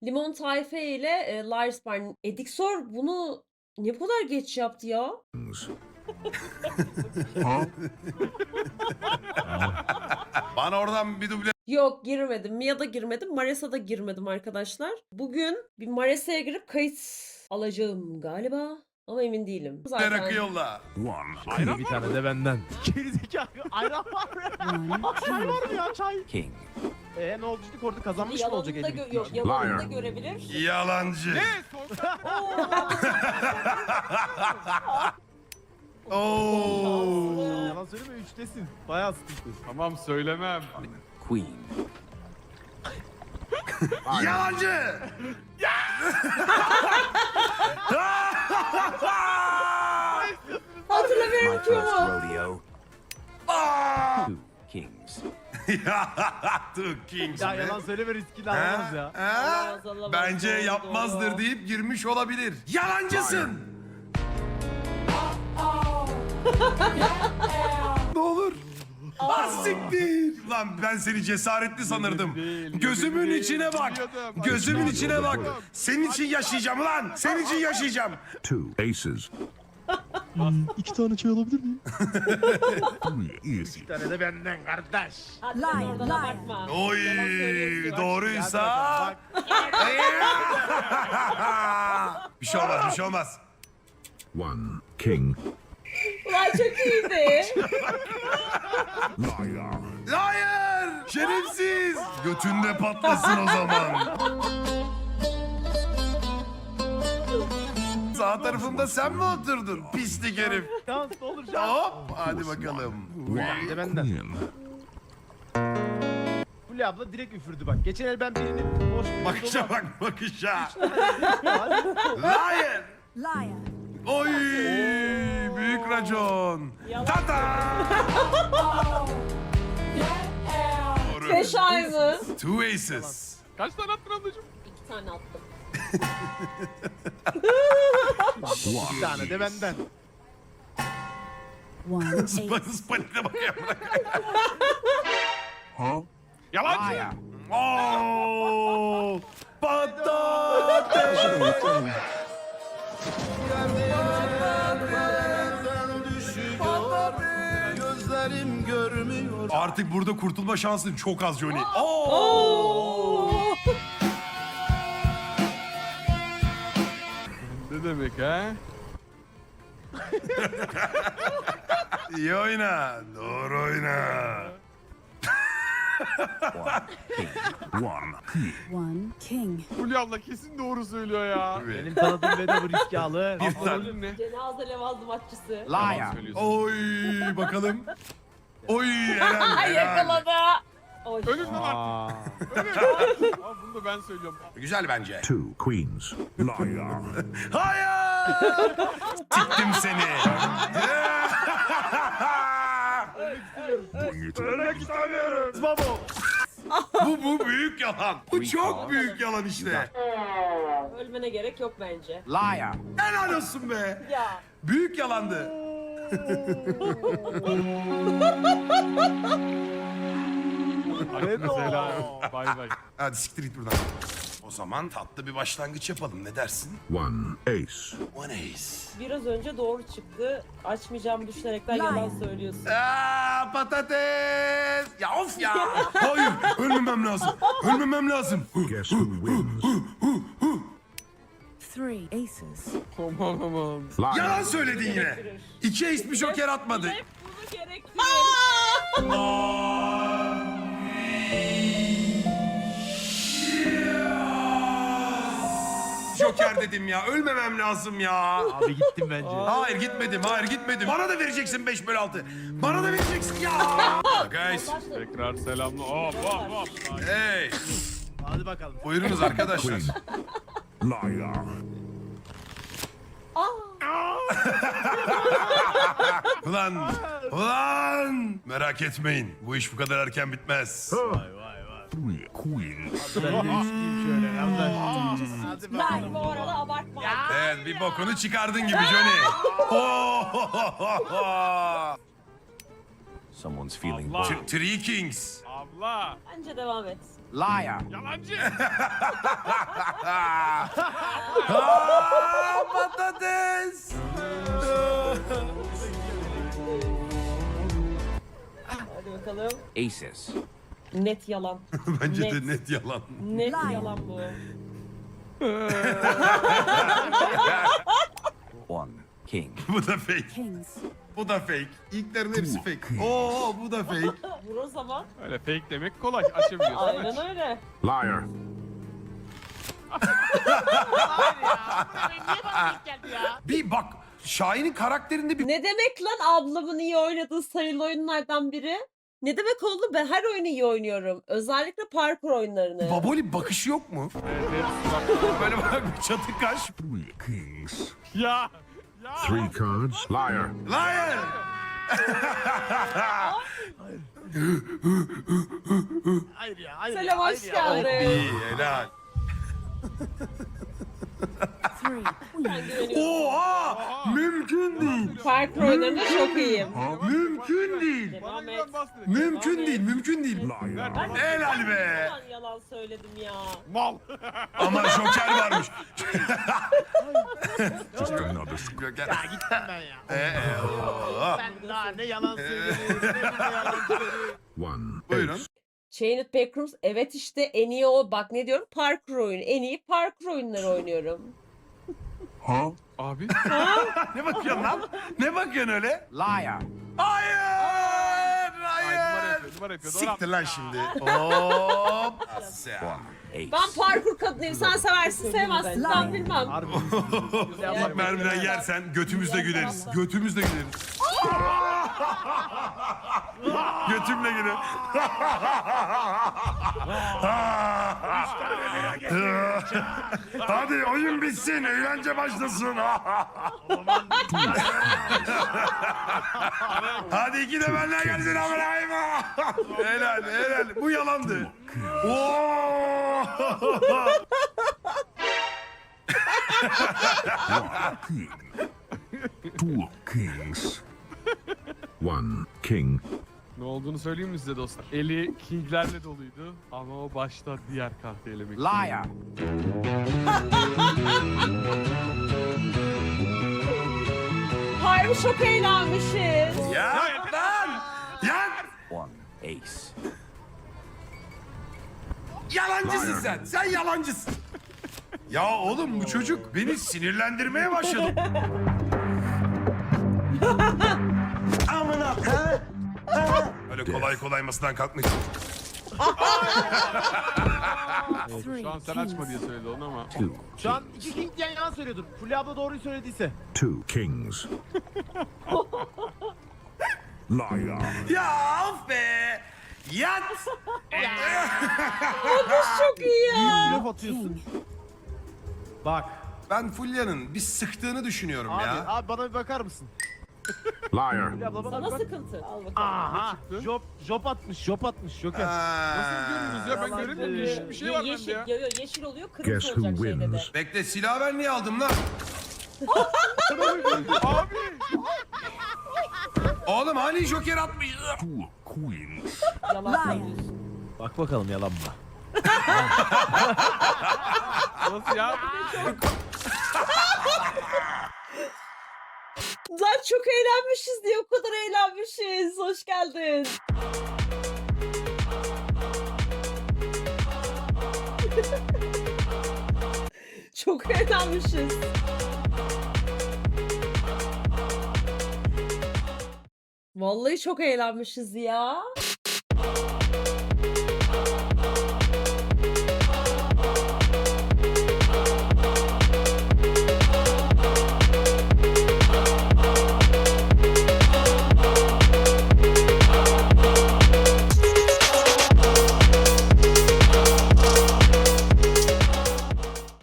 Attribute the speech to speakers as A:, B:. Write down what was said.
A: Limon Tayfe ile Lars Barn. Edixor bunu ne bu kadar geç yaptı ya?
B: Bana oradan bir duble
A: Yok girmedim. Mia'da girmedim. Mares'a da girmedim arkadaşlar. Bugün bir Mares'e girip kayıt alacağım galiba. Ama emin değilim.
B: rakı yolla.
C: Ayran bir tane de benden.
D: Gerizekalı ayran var mı? Çay var mı ya çay?
E: King.
D: Ne oldu dedik orada kazanmış mı olacak
A: Yalanını da,
D: elbette?
A: yok, yalanını da görebilir.
B: Yalancı.
A: Oo.
B: Oo.
D: Yalan söyleme 3'tesin. Bayağı sıkıntı.
C: Tamam söylemem.
E: Queen.
B: Yalancı.
A: Hatırlamıyorum
E: My
A: ki
E: first
A: ama.
E: rodeo.
B: Aa!
E: Two kings.
B: Two Kings
D: Ya
B: mi?
D: yalan söyleme riskini
B: Ha?
D: alamaz ya.
B: Ha?
A: Alamaz, alamaz.
B: Bence
A: Doğru,
B: yapmazdır
A: doğru.
B: deyip girmiş olabilir. Yalancısın. Ne olur. Az siktir. Lan ben seni cesaretli sanırdım.
C: Gözümün
B: içine bak. Gözümün içine bak. Senin için yaşayacağım lan. Senin için yaşayacağım.
F: Two aces.
D: 2 tane çay alabilir miyim?
F: Easy.
D: Bir tane de benden kardeş.
A: Hadi sen oradan abartma.
B: Oy
A: Yalan söylüyorsun.
B: doğruysa.
D: Bak.
B: Bir şey olmaz, bir şey olmaz.
F: One king.
A: Ulan çok iyiydi.
F: Liar.
B: Hayır! Şerefsiz! Götünde patlasın o zaman. Sağ tarafımda sen mi oturdun? Pislik herif.
D: Şans ne olur şans.
B: Hop! Hadi bakalım.
D: Bir de benden.
F: Queen.
D: Fulya abla direkt üfürdü bak. Geçen el ben birini boş bir
B: Bakışa bak, bakışa.
D: Hadi.
B: Liar! Oy! Büyük racon.
A: Yalan.
B: Tata! Doğru.
A: 5 ay mı?
B: Two aces.
C: Kaç tane attın ablacığım?
A: 2 tane attım.
D: Bir tane de benden.
B: Spanik'e bakayım.
F: Huh?
C: Yalancı.
B: Oo! Patates!
D: Gözlerim görmüyor.
B: Artık burada kurtulma şansın çok az Johnny.
A: Oo.
C: Ne demek ha?
B: İyi oyna. Doğru oyna.
F: One king.
G: One king.
C: Fulya abla kesin doğru söylüyor ya.
D: Benim tanıdığım beni bu riski alır.
B: Bir tane.
C: Rolün ne?
A: Cenaze levazımatçısı.
C: Yalan söylüyorsun.
B: Oy bakalım. Oy helal
A: Ay
B: helal.
A: yakaladı. Oy.
C: Ölün lan artık. Ölün. Aa, bunu da ben söylüyorum.
B: Güzel bence.
F: Two queens. Liar.
B: Hayır! Siktim seni.
F: Bring it on.
B: Ölmek istemiyorum.
D: Babo.
B: Bu büyük yalan. Bu çok büyük yalan işte.
A: Ölmene gerek yok bence.
E: Liar.
B: Helal olsun be.
A: Ya.
B: Büyük yalandı.
C: Hakkınızı helal olsun. Bay bay.
B: Hadi siktir git buradan. O zaman tatlı bir başlangıç yapalım. Ne dersin?
F: One ace.
B: One ace.
A: Biraz önce doğru çıktı. Açmayacağımı düşünerekten yalan söylüyorsun.
B: Aa, patates. Ya of ya. Hayır. Ölmemem lazım. Ölmemem lazım.
F: Guess who wins?
G: Three aces.
C: Aman aman.
F: Liar.
B: Yalan söyledin yine. İki ace bir joker atmadı.
A: Hep bunu gerektirir.
B: Joker dedim ya. Ölmemem lazım ya.
D: Abi gittim bence.
B: Hayır gitmedim. Hayır gitmedim. Bana da vereceksin 5/6. Bana da vereceksin ya. Guys.
C: Tekrar selamla. Hop hop hop.
B: Hey.
D: Hadi bakalım.
B: Buyurunuz arkadaşlar.
F: Liar.
B: Ulan. Merak etmeyin. Bu iş bu kadar erken bitmez.
D: Vay vay vay.
F: Three queens.
D: Ben de üçlüyüm şöyle. Hadi
A: Ben
D: bakalım.
A: bu arada abartma.
B: Evet bir bokunu çıkardın gibi Johnny.
E: Someone's feeling
C: Allah.
E: bold.
B: Three Kings.
C: Abla.
A: Bence devam et.
B: Liar.
C: Yalancı.
B: Patates.
A: Hadi bakalım.
E: Aces.
A: Net yalan.
B: Bence
A: Net.
B: de net yalan.
A: Net yalan bu.
E: One. King.
B: Bu da fake.
G: Kings.
B: Bu da fake. İlklerin hepsi fake. Oo bu da fake.
A: Vur o zaman.
C: Öyle fake demek kolay. Açabiliyorsun.
A: Aynen öyle.
F: Liar.
D: Niye bana denk geldi ya?
B: Bir bak Şahin'in karakterinde bir
A: Ne demek lan ablamın iyi oynadığı sayılı oyunlardan biri? Ne demek oldu? Ben her oyunu iyi oynuyorum. Özellikle parkur oyunlarını.
B: baboli bakışı yok mu? Böyle bak bir çatı kaş.
F: Three kings.
C: Ya.
F: Three cards. Liar.
B: Liar.
D: Hayır ya. Hayır
A: Selam,
D: ya.
A: hoş
D: Hayır ya.
A: geldin.
B: İyi helal.
G: Three. Queen.
B: Oha! Mümkün değil.
A: Parkur oyunlarında çok iyiyim.
B: Mümkün değil.
A: Devam et.
C: Bana bahsedin.
B: Mümkün değil, mümkün değil.
F: Liar.
B: Helal be.
A: Yalan yalan söyledim ya.
C: Mal.
B: Ama Joker varmış.
F: Just another square.
B: Joker.
D: Ya gittim ben ya.
B: Oo.
D: Sen daha ne yalan söylüyorsun. Ne yalan söylüyorsun.
F: One.
B: Buyurun.
F: ace.
A: Chained Backrooms evet işte en iyi o. Bak ne diyorum? Parkur oyunu. En iyi parkur oyunları oynuyorum.
F: Huh?
C: Abi.
B: Ne bakıyorsun lan? Ne bakıyorsun öyle?
E: Liar.
B: Hayır!
C: Ay, numara
B: Hayır!
C: yapıyor. Numara yapıyor.
B: Siktir lan şimdi. Hop!
E: Ace.
A: Ben parkur kadınıyım. Sen seversin sevmezsin. Ben bilmem.
D: Harbi.
B: İlk mermiden yersen götümüzde güleriz. Götümüzde güleriz. Götümle güle. Hadi oyun bitsin, eğlence başlasın. Hadi iki de benden gelsin amınayım. Helal, helal. Bu yalandı. Oo!
F: King. Two kings. One king.
C: Ne olduğunu söyleyeyim mi size dostlar? Eli kinglerle doluydu ama o başta diğer kartı elemek için.
E: Liar.
A: Harbi çok eğlenmişiz.
B: Ya lan! Ya!
E: One. Ace.
B: Yalancısın sen. Sen yalancısın. Ya oğlum bu çocuk beni sinirlendirmeye başladı. Amına. Öyle kolay kolay masadan kalkmayacak.
G: Three
C: Şu an sen
G: kings.
C: açma diye söyledi onu ama.
F: Two.
D: Şu an iki king diyen yalan söylüyordur. Fulya abla doğruyu söylediyse.
F: Two kings. Liar.
B: Ya of be. Yat.
A: Çok iyi ya.
D: Blöf atıyorsun. Bak.
B: Ben Fulya'nın bir sıktığını düşünüyorum
D: Abi,
B: ya.
D: abi bana bir bakar mısın?
F: Liar.
D: Fulya abla bana
A: Sana
D: bir bak.
A: sıkıntı. Al bakalım.
D: Aha. Job atmış. Job atmış. Joker.
C: Nasıl görüyoruz ya? Ben
D: Yalan
C: göremiyorum.
D: değil.
C: Yeşil bir şey var
A: yeşil,
C: bende ya.
A: yeşil oluyor, kırmızı
F: Guess who
A: olacak şeyde de.
F: wins?
B: Bekle silahı ben niye aldım lan?
C: Abi.
B: Oğlum hani Joker atmış.
F: Two queens.
A: Yalan
G: Liar.
A: söylüyorsun.
D: Bak bakalım yalan mı?
C: Nasıl ya?
A: Lan çok eğlenmişiz diye o kadar eğlenmişiz. Hoş geldin. Çok eğlenmişiz. Vallahi çok eğlenmişiz ya.